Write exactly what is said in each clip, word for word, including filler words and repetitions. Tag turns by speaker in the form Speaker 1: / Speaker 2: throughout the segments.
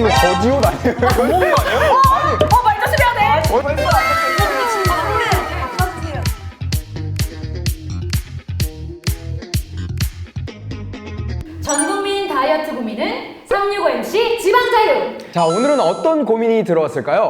Speaker 1: 이거 거지옷 아니에요?
Speaker 2: 먹은 거 아니에요?
Speaker 3: 어, 어 말도 수려야 돼.
Speaker 1: 어?
Speaker 3: 벌써 안 전 국민 다이어트 고민은 삼육오 엠씨 지방자유.
Speaker 1: 자, 오늘은 어떤 고민이 들어왔을까요?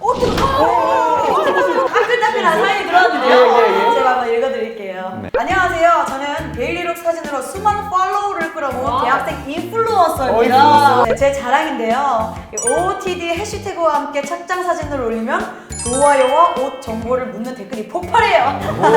Speaker 4: 따끈따끈한 사연이 들어왔는데요.
Speaker 1: 예, 예, 예.
Speaker 4: 제가 한번 읽어드릴게요.
Speaker 1: 네.
Speaker 4: 안녕하세요. 저는 데일리룩 사진으로 수많은 팔로우를 끌어모은
Speaker 3: 와.
Speaker 4: 대학생 인플루언서입니다. 네, 제 자랑인데요. 오오티디 해시태그와 함께 착장 사진을 올리면 좋아요와 옷 정보를 묻는 댓글이 폭발해요.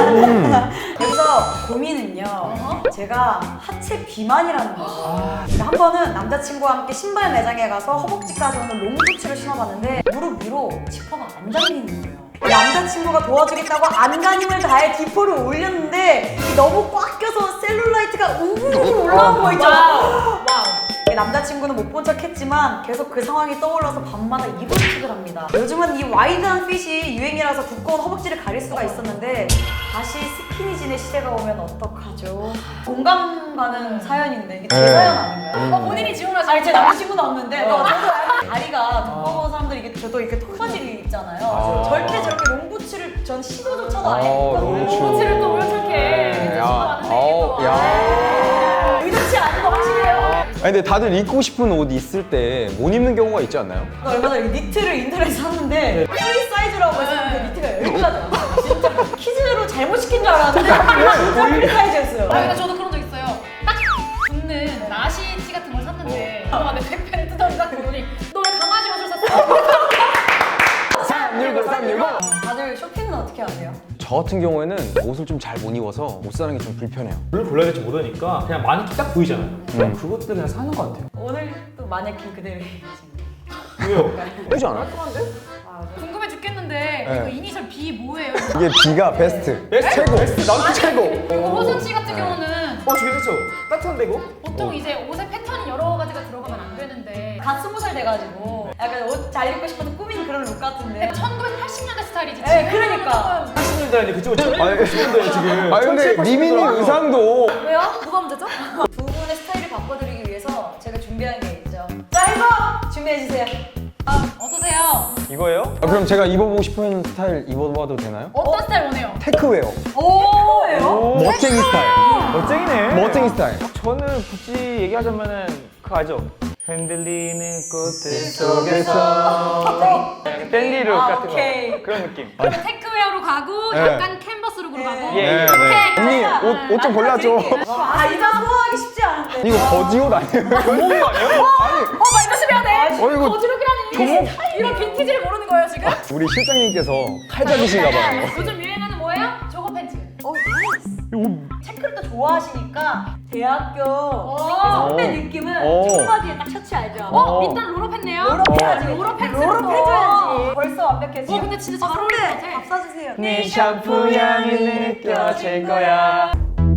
Speaker 4: 여기서 고민은요. 제가 하체 비만이라는 거죠. 한 번은 남자친구와 함께 신발 매장에 가서 허벅지까지 오는 롱부츠를 신어봤는데 무릎 위로 지퍼가 안 달리는 거예요. 남자친구가 도와주겠다고 안간힘을 다해 디포를 올렸는데 너무 꽉 껴서 셀룰라이트가 우글우글 올라온 거 있죠.
Speaker 3: 와우.
Speaker 4: 남자친구는 못 본 척 했지만 계속 그 상황이 떠올라서 밤마다 이불킥을 합니다. 요즘은 이 와이드한 핏이 유행이라서 두꺼운 허벅지를 가릴 수가 있었는데 다시 스키니진의 시대가 오면 어떡하죠? 공감 가는 사연인데 이게 제
Speaker 1: 네.
Speaker 4: 사연 아닌가요?
Speaker 3: 어, 본인이 지원하신
Speaker 4: 아니 제 남자친구는 없는데 어. 저도 다리가 두꺼운 사람들이 이게 저도 이렇게 통바지를 입잖아요.
Speaker 1: 아.
Speaker 4: 절대 저렇게 롱부츠를 전 시도조차도 안
Speaker 1: 아,
Speaker 4: 했거든요.
Speaker 1: 롱부츠.
Speaker 3: 코치를 또 이렇게
Speaker 1: 네, 야,
Speaker 3: 많은데
Speaker 1: 어,
Speaker 3: 또.
Speaker 1: 야.
Speaker 3: 의도치 않은 거 확실해요.
Speaker 1: 아니, 근데 다들 입고 싶은 옷 있을 때 못 입는 경우가 있지 않나요?
Speaker 4: 나 얼마 전에 니트를 인터넷에서 샀는데 프리 사이즈라고 해서 그 니트가 열 가지 왔어요. 진짜 키즈로 잘못 시킨 줄 알았는데 진짜 프리 사이즈였어요.
Speaker 3: 아, 근데 저도 그런 적 있어요. 딱 붙는 나시 티 같은 걸 샀는데 어. 내 백팬을 뜯어서 딱 보더니 너 왜 강아지 옷을 샀어?
Speaker 1: 삼육오, 삼육오.
Speaker 4: 다들 쇼핑은 어떻게 하세요?
Speaker 1: 저 같은 경우에는 옷을 좀 잘 못 입어서 옷 사는 게 좀 불편해요.
Speaker 2: 뭘 골라야 될지 모르니까 그냥 마네킹 딱 보이잖아요. 그럼
Speaker 1: 음.
Speaker 2: 그것들 그냥 사는 것 같아요.
Speaker 4: 오늘 또 마네킹 그대로 입으시는
Speaker 2: 왜요?
Speaker 1: 예쁘지 않아요?
Speaker 3: 궁금해 죽겠는데
Speaker 1: 네.
Speaker 3: 이거 이니셜 B 뭐예요?
Speaker 1: 이게 B가 베스트.
Speaker 2: 베스트?
Speaker 1: 최고.
Speaker 2: 베스트? 나도 최고!
Speaker 3: 그리고 호선 씨 같은 경우는
Speaker 2: 어, 저게 좋죠? 따뜻한데 이거?
Speaker 3: 보통 이제 옷에 패턴이 여러 가지가 들어가면 안 되는데
Speaker 4: 갓 스무 살 돼가지고 약간 옷 잘 입고 싶어서 꾸민 그런 룩 같은데
Speaker 3: 천구백팔십 년대 스타일이지.
Speaker 4: 네, 그러니까.
Speaker 2: 팔십 년대 아니 그쪽은
Speaker 1: 아니,
Speaker 2: 칠십 년대에 지금.
Speaker 1: 아 근데 리민이 의상도
Speaker 3: 왜요? 누가 문제죠?
Speaker 4: 두 분의 스타일을 바꿔드리기 위해서 제가 준비한 게 있죠. 자, 이거 준비해주세요.
Speaker 3: 어떠세요?
Speaker 2: 이거예요?
Speaker 1: 아, 그럼 제가 입어보고 싶은 스타일 입어봐도 되나요?
Speaker 3: 어떤 스타일 원해요?
Speaker 1: 테크웨어.
Speaker 4: 오예요?
Speaker 1: 멋쟁이 스타일.
Speaker 2: 멋쟁이네.
Speaker 1: 멋쟁이 스타일.
Speaker 2: 저는 굳이 얘기하자면은 그거 알죠? 흔들리는 꽃들
Speaker 1: 속에서.
Speaker 2: 댄디룩
Speaker 4: 아,
Speaker 2: 같은
Speaker 4: 오케이.
Speaker 2: 거. 그런 느낌.
Speaker 3: 그러면 테크웨어로 가고
Speaker 1: 네.
Speaker 3: 약간 캔버스룩으로 가고
Speaker 4: 네.
Speaker 2: 예, 예.
Speaker 3: 오케이.
Speaker 1: 언니 옷 옷 좀 골라줘.
Speaker 4: 아, 이거 소화하기 쉽지 않은데.
Speaker 1: 이거 거지옷 아니에요?
Speaker 2: 먹은 거 아니에요?
Speaker 1: 아니
Speaker 3: 어 말도 수려야 돼.
Speaker 1: 어, 이거
Speaker 3: 거지룩이라는 이게 이런 빈티지를 모르는 거예요 지금?
Speaker 1: 우리 실장님께서 칼잡이신가 봐요.
Speaker 3: 요즘 유행하는 뭐예요? 저거 팬츠.
Speaker 4: 어, 체크를 또 좋아하시니까 대학교 선배 느낌은
Speaker 1: 오.
Speaker 4: 청바지에 딱 셔츠 알죠?
Speaker 3: 어? 일단 로로 팬네요.
Speaker 4: 로로 패야지.
Speaker 3: 로로 팬츠.
Speaker 4: 로로 패줘야지. 벌써 완벽해.
Speaker 3: 어 근데 진짜 잘 어울릴 것 같아.
Speaker 4: 밥 사주세요.
Speaker 2: 네 샴푸 향이 느껴질 거야.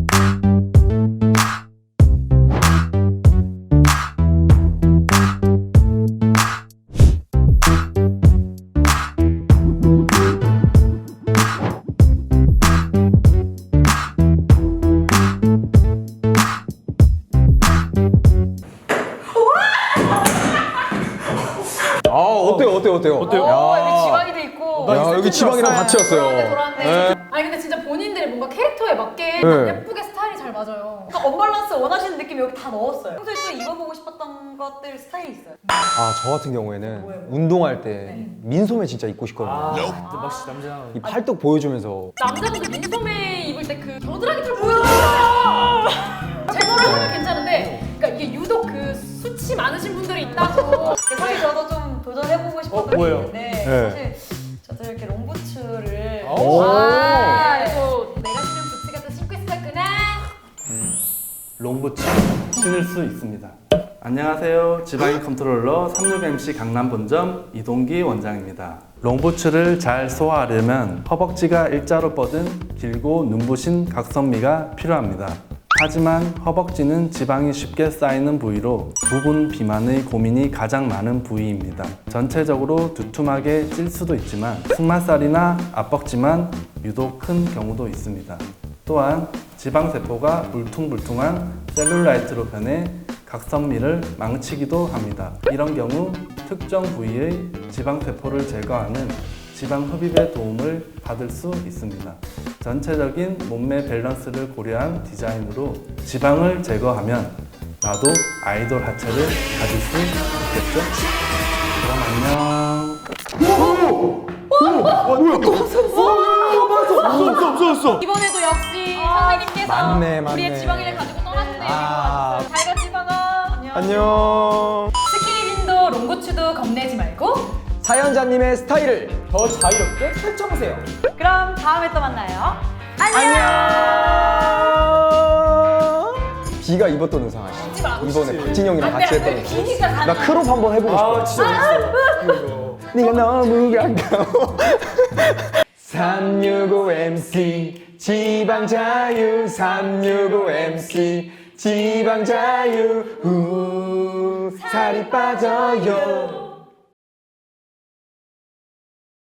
Speaker 1: 아 어때요 어때요 어때요?
Speaker 2: 어때요?
Speaker 4: 오,
Speaker 1: 야.
Speaker 4: 여기 지방이도 있고.
Speaker 1: 야 여기 지방이랑 같이 왔어요.
Speaker 3: 돌았네.
Speaker 1: 네.
Speaker 3: 아니 근데 진짜 본인들이 뭔가 캐릭터에 맞게
Speaker 1: 네.
Speaker 3: 예쁘게 스타일이 잘 맞아요.
Speaker 4: 그러니까 언밸런스 원하시는 느낌 여기 다 넣었어요. 평소에 또 입어보고 싶었던 것들 스타일이 있어요.
Speaker 1: 아 저 같은 경우에는
Speaker 4: 뭐예요?
Speaker 1: 운동할 때 민소매 진짜 입고 싶거든요.
Speaker 2: 아, 진짜 멋있 남자.
Speaker 1: 이 팔뚝 보여주면서
Speaker 3: 남자분들 민소매 입을 때 그 겨드랑이 털 보여주잖아요. 제거를 하면 괜찮은데, 그러니까 이게 유독 그 수치 많으신 분들이 있다고.
Speaker 4: 사실 저도 좀 도전해보고 싶었던
Speaker 2: 어,
Speaker 4: 게
Speaker 2: 뭐예요?
Speaker 4: 있는데
Speaker 1: 네.
Speaker 4: 사실 저도 이렇게 롱부츠를
Speaker 1: 오.
Speaker 3: 아, 이거 내가 신은 부츠 같은 신고 있었구나.
Speaker 5: 롱부츠 신을 수 있습니다. 안녕하세요. 지방인 컨트롤러 삼육 엠씨 강남 본점 이동기 원장입니다. 롱부츠를 잘 소화하려면 허벅지가 일자로 뻗은 길고 눈부신 각선미가 필요합니다. 하지만 허벅지는 지방이 쉽게 쌓이는 부위로 부분 비만의 고민이 가장 많은 부위입니다. 전체적으로 두툼하게 찔 수도 있지만 승마살이나 앞벅지만 유독 큰 경우도 있습니다. 또한 지방세포가 울퉁불퉁한 셀룰라이트로 변해 각선미를 망치기도 합니다. 이런 경우 특정 부위의 지방세포를 제거하는 지방 흡입의 도움을 받을 수 있습니다. 전체적인 몸매 밸런스를 고려한 디자인으로 지방을 제거하면 나도 아이돌 하체를 가질 수 있겠죠? 그럼 안녕.
Speaker 3: 이번에도 역시 선생님께서
Speaker 1: 맞네, 맞네.
Speaker 3: 우리의 지방이를 가지고 떠났네요.
Speaker 1: 아.
Speaker 3: 잘가 지방아.
Speaker 1: 안녕.
Speaker 3: 스키니진도 롱부츠도 겁내지 말고
Speaker 1: 사연자님의 스타일을 더 자유롭게 펼쳐보세요.
Speaker 4: 그럼 다음에 또 만나요.
Speaker 1: 안녕. 비가 입었던 의상 아시죠?
Speaker 3: 잊지 마.
Speaker 1: 이번에 박진영이랑
Speaker 3: 안 돼,
Speaker 1: 같이
Speaker 3: 안 돼.
Speaker 1: 했던 의상.
Speaker 3: 비니까 가능.
Speaker 1: 나 크롭 한번 해보고 싶어.
Speaker 2: 아 진짜 재밌어.
Speaker 1: 네가 너무 가까워. 삼육오 엠씨 지방 자유 삼육오 엠씨 지방 자유 우 살이 빠져요.